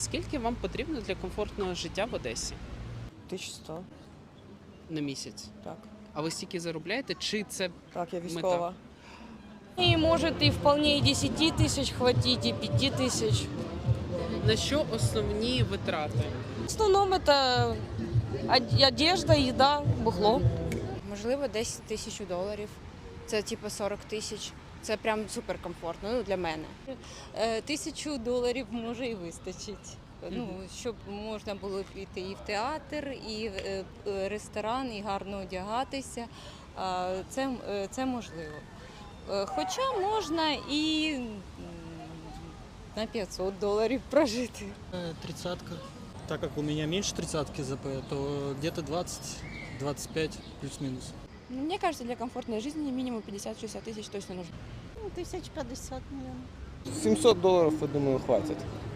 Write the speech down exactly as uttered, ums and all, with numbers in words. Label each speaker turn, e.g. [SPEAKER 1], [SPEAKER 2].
[SPEAKER 1] Скільки вам потрібно для комфортного життя в Одесі
[SPEAKER 2] тисяча сто,
[SPEAKER 1] на місяць?
[SPEAKER 2] так.
[SPEAKER 1] А ви стільки заробляєте? Чи це
[SPEAKER 2] Так, я військова.
[SPEAKER 3] И может и вполне и десяти тысяч хватить, и пяти тысяч.
[SPEAKER 1] на що основні витрати?
[SPEAKER 3] В основном это од- одежда, еда, бухло.
[SPEAKER 4] Можливо, десь тисячу доларів. Це типу сорок тисяч. Це прям суперкомфортно, ну, для мене.
[SPEAKER 5] Е, Тисячу доларів може і вистачить. Ну, щоб можна було піти і в театр, і в е, е, ресторан, і гарно одягатися. А, Це, е, це можливо. Е, Хоча можна і м, на п'ятсот доларів прожити.
[SPEAKER 6] Э, Тридцатка. Так как у меня меньше тридцатки ЗП, то где-то двадцать-двадцать пять плюс-минус.
[SPEAKER 7] Мне кажется, для комфортной жизни минимум пятьдесят-шестьдесят тысяч точно нужно.
[SPEAKER 8] Ну, тисяч п'ятдесят, мабуть.
[SPEAKER 9] семьсот долларов, я думаю, хватит.